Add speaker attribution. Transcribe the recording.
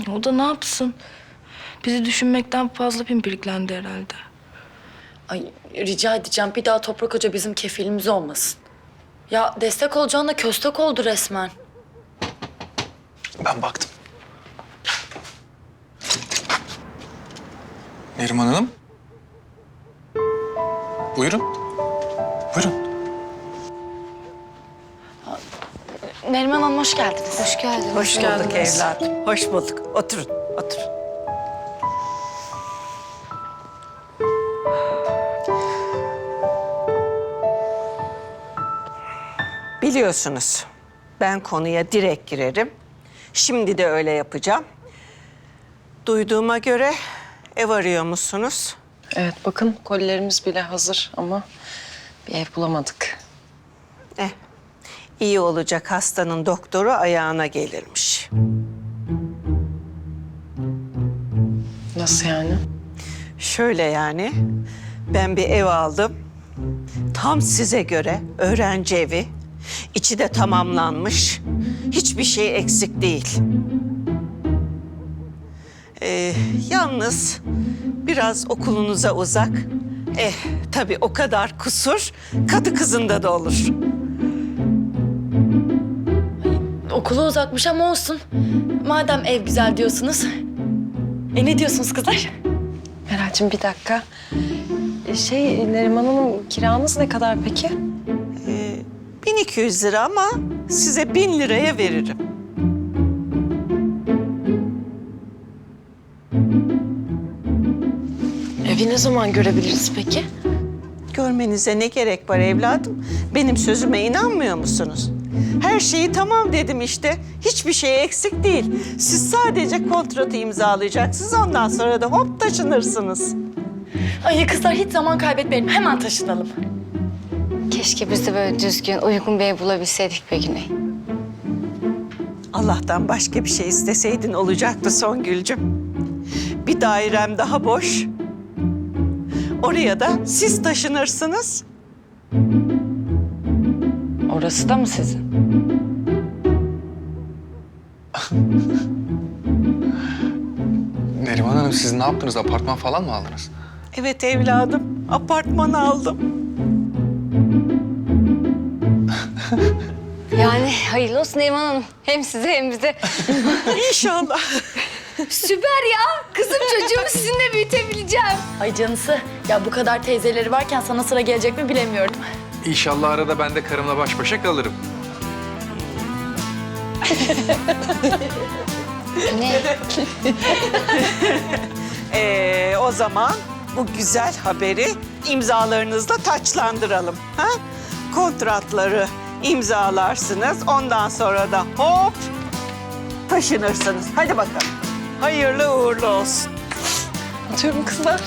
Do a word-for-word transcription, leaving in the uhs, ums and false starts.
Speaker 1: O da ne yapsın? Bizi düşünmekten fazla pimpiriklendi herhalde.
Speaker 2: Ay rica edeceğim bir daha Toprak Hoca bizim kefilimiz olmasın. Ya destek olacağına köstek oldu resmen.
Speaker 3: Ben baktım. Neriman Hanım. Buyurun. Buyurun.
Speaker 2: Neriman Hanım hoş geldiniz.
Speaker 4: Hoş geldin.
Speaker 5: Hoş bulduk evladım. Hoş bulduk. Oturun, oturun. Biliyorsunuz, ben konuya direkt girerim. Şimdi de öyle yapacağım. Duyduğuma göre ev arıyor musunuz?
Speaker 4: Evet bakın kolilerimiz bile hazır ama bir ev bulamadık.
Speaker 5: Eh, iyi olacak hastanın doktoru ayağına gelirmiş.
Speaker 4: Nasıl yani?
Speaker 5: Şöyle yani, ben bir ev aldım. Tam size göre öğrenci evi. İçi de tamamlanmış. Hiçbir şey eksik değil. Ee, yalnız biraz okulunuza uzak. Eh, tabii o kadar kusur kadı kızında da olur.
Speaker 2: Okulu uzakmış ama olsun. Madem ev güzel diyorsunuz. E ne diyorsunuz kızlar?
Speaker 4: Meral'cığım bir dakika. E, Şey Neriman Hanım kiranız ne kadar peki?
Speaker 5: Ee, bin iki yüz lira ama size bin liraya veririm.
Speaker 4: Evi ne zaman görebiliriz peki?
Speaker 5: Görmenize ne gerek var evladım? Benim sözüme inanmıyor musunuz? Her şeyi tamam dedim işte. Hiçbir şey eksik değil. Siz sadece kontratı imzalayacaksınız. Ondan sonra da hop taşınırsınız.
Speaker 2: Ay kızlar hiç zaman kaybetmeyelim. Hemen taşınalım.
Speaker 6: Keşke biz de böyle düzgün, uygun bir ev bulabilseydik be Güney.
Speaker 5: Allah'tan başka bir şey isteseydin olacaktı Songül'cüm. Bir dairem daha boş. Oraya da siz taşınırsınız.
Speaker 4: Orası da mı sizin?
Speaker 3: Neriman Hanım siz ne yaptınız? Apartman falan mı aldınız?
Speaker 5: Evet evladım, apartman aldım.
Speaker 6: Yani hayırlı olsun Neriman Hanım. Hem size hem bize.
Speaker 5: İnşallah.
Speaker 6: Süper ya. Kızım çocuğumu sizinle büyütebileceğim.
Speaker 2: Ay canısı. Ya bu kadar teyzeleri varken sana sıra gelecek mi bilemiyorum.
Speaker 3: İnşallah arada ben de karımla baş başa kalırım.
Speaker 6: Ne?
Speaker 5: Ee, o zaman bu güzel haberi imzalarınızla taçlandıralım. Ha? Kontratları imzalarsınız. Ondan sonra da hop taşınırsınız. Hadi bakalım. Hayırlı uğurlu olsun.
Speaker 4: Atıyorum kızlar.